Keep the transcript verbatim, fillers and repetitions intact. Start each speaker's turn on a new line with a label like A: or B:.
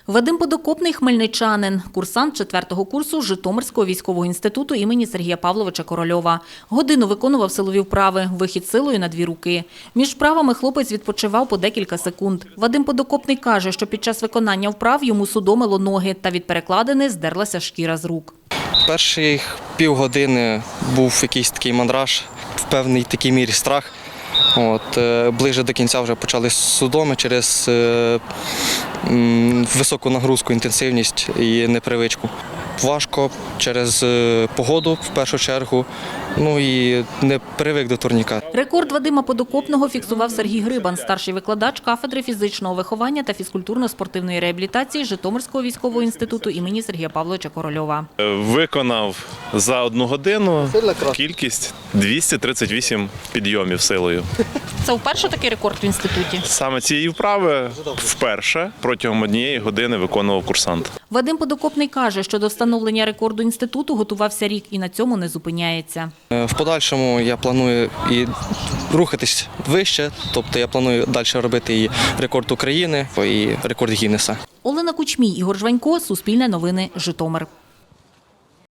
A: Вадим Подокопний – хмельничанин, курсант четвертого курсу Житомирського військового інституту імені Сергія Павловича Корольова. Годину виконував силові вправи, вихід силою на дві руки. Між вправами хлопець відпочивав по декілька секунд. Вадим Подокопний каже, що під час виконання вправ йому судомило ноги та від перекладини здерлася шкіра з рук.
B: Перші півгодини був якийсь такий мандраж, в певній такій мірі страх. От, ближе до кінця вже почали судоми через е, м, високу нагрузку, інтенсивність і непривичку. Важко через е, погоду в першу чергу, ну і не привик до турніка.
A: Рекорд Вадима Подокопного фіксував Сергій Грибан, старший викладач кафедри фізичного виховання та фізкультурно-спортивної реабілітації Житомирського військового інституту імені Сергія Павловича Корольова.
C: Виконав за одну годину кількість двісті тридцять вісім підйомів силою.
A: Це вперше такий рекорд в інституті?
C: Саме цієї вправи вперше протягом однієї години виконував курсант.
A: Вадим Подокопний каже, що до встановлення рекорду інституту готувався рік і на цьому не зупиняється.
B: В подальшому я планую і рухатись вище, тобто я планую далі робити і рекорд України, і рекорд Гіннеса.
A: Олена Кучмій, Ігор Жванько, Суспільне новини, Житомир.